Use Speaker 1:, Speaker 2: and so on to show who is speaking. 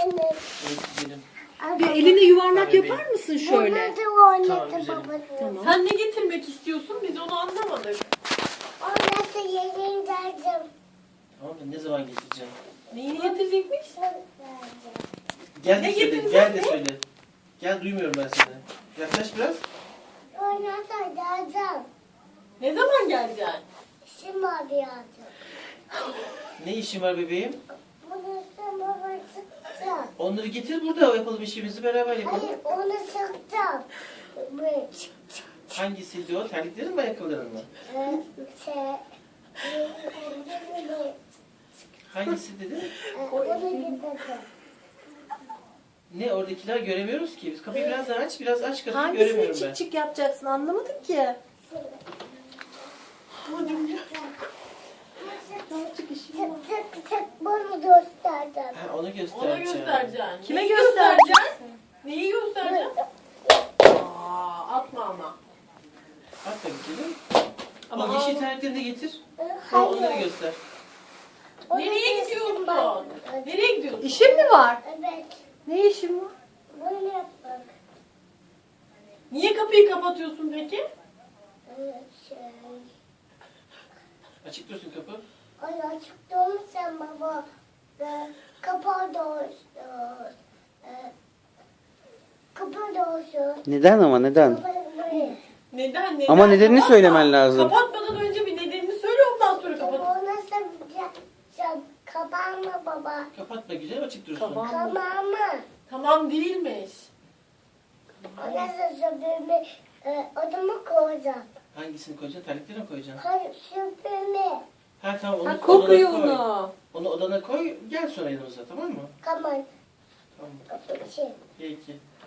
Speaker 1: Evet gidelim.
Speaker 2: Bir eline yuvarlak
Speaker 1: Tabii.
Speaker 2: yapar mısın şöyle?
Speaker 1: Tamam, güzelim.
Speaker 2: Tamam.
Speaker 3: Sen ne getirmek istiyorsun? Biz onu anlamadık.
Speaker 1: Tamam da ne zaman getireceğim?
Speaker 3: Neyini getirecekmiş?
Speaker 1: Gel
Speaker 3: Ne
Speaker 1: de söyle,
Speaker 3: getirdin
Speaker 1: gel de
Speaker 3: ne?
Speaker 1: söyle. Gel duymuyorum ben seni. Yaklaş biraz.
Speaker 3: Ne zaman geleceksin?
Speaker 1: Ne işin var bebeğim? Onları getir burada yapalım işimizi beraber yapalım.
Speaker 4: Hayır, onu sıktım.
Speaker 1: Hangisiydi o? Terliklerin mi ayakkabıların mı? Hangisi dedi? Ne oradakiler göremiyoruz ki. Biz kapıyı biraz daha aç, biraz aç kapıyı
Speaker 2: Hangisini
Speaker 1: göremiyorum ben.
Speaker 2: çık çık yapacaksın anlamadım ki.
Speaker 4: Tık tık bunu gösterdim.
Speaker 1: Ha, onu
Speaker 3: Ona
Speaker 1: göstereceğim.
Speaker 3: göstereceksin.
Speaker 2: Kime
Speaker 3: Neyi
Speaker 2: göstereceksin?
Speaker 3: göstereceksin? Neyi göstereceksin? Atma ama.
Speaker 1: At da gidelim.
Speaker 3: Ama
Speaker 1: O yeşil
Speaker 3: al-
Speaker 1: terliklerini de getir. Onları
Speaker 4: Hayır.
Speaker 1: göster.
Speaker 3: Nereye gidiyorsun? Nereye gidiyorsun?
Speaker 2: İşin mi var?
Speaker 4: Evet.
Speaker 2: Ne işin var?
Speaker 4: Bunu yapmak.
Speaker 3: Niye kapıyı kapatıyorsun peki?
Speaker 4: Şey.
Speaker 1: Açık dursun kapı.
Speaker 4: Ay açık sen baba. Kapağı da olsun. Kapağı da olsun.
Speaker 5: Neden ama neden?
Speaker 3: Neden?
Speaker 5: Ama nedenini
Speaker 3: Kapatma.
Speaker 5: söylemen lazım.
Speaker 3: Kapatmadan önce bir nedenini söyle ondan sonra kapat.
Speaker 4: O nasıl kapağımı baba?
Speaker 1: Kapatma güzel açık dursun.
Speaker 2: Tamam.
Speaker 4: Kapağımı.
Speaker 3: Tamam değilmiş.
Speaker 4: O nasıl süpürme? Odama koyacağım.
Speaker 1: Hangisini koyacaksın? Terlikleri mi koyacaksın?
Speaker 4: Hayır süpürme.
Speaker 1: Ha tamam onu
Speaker 2: Ha, kokuyor
Speaker 1: odana koy.
Speaker 2: onu.
Speaker 1: Onu odana koy. Gel sonra yanımıza tamam mı?
Speaker 4: Tamam.
Speaker 1: Tamam.
Speaker 4: Şey.
Speaker 1: Peki.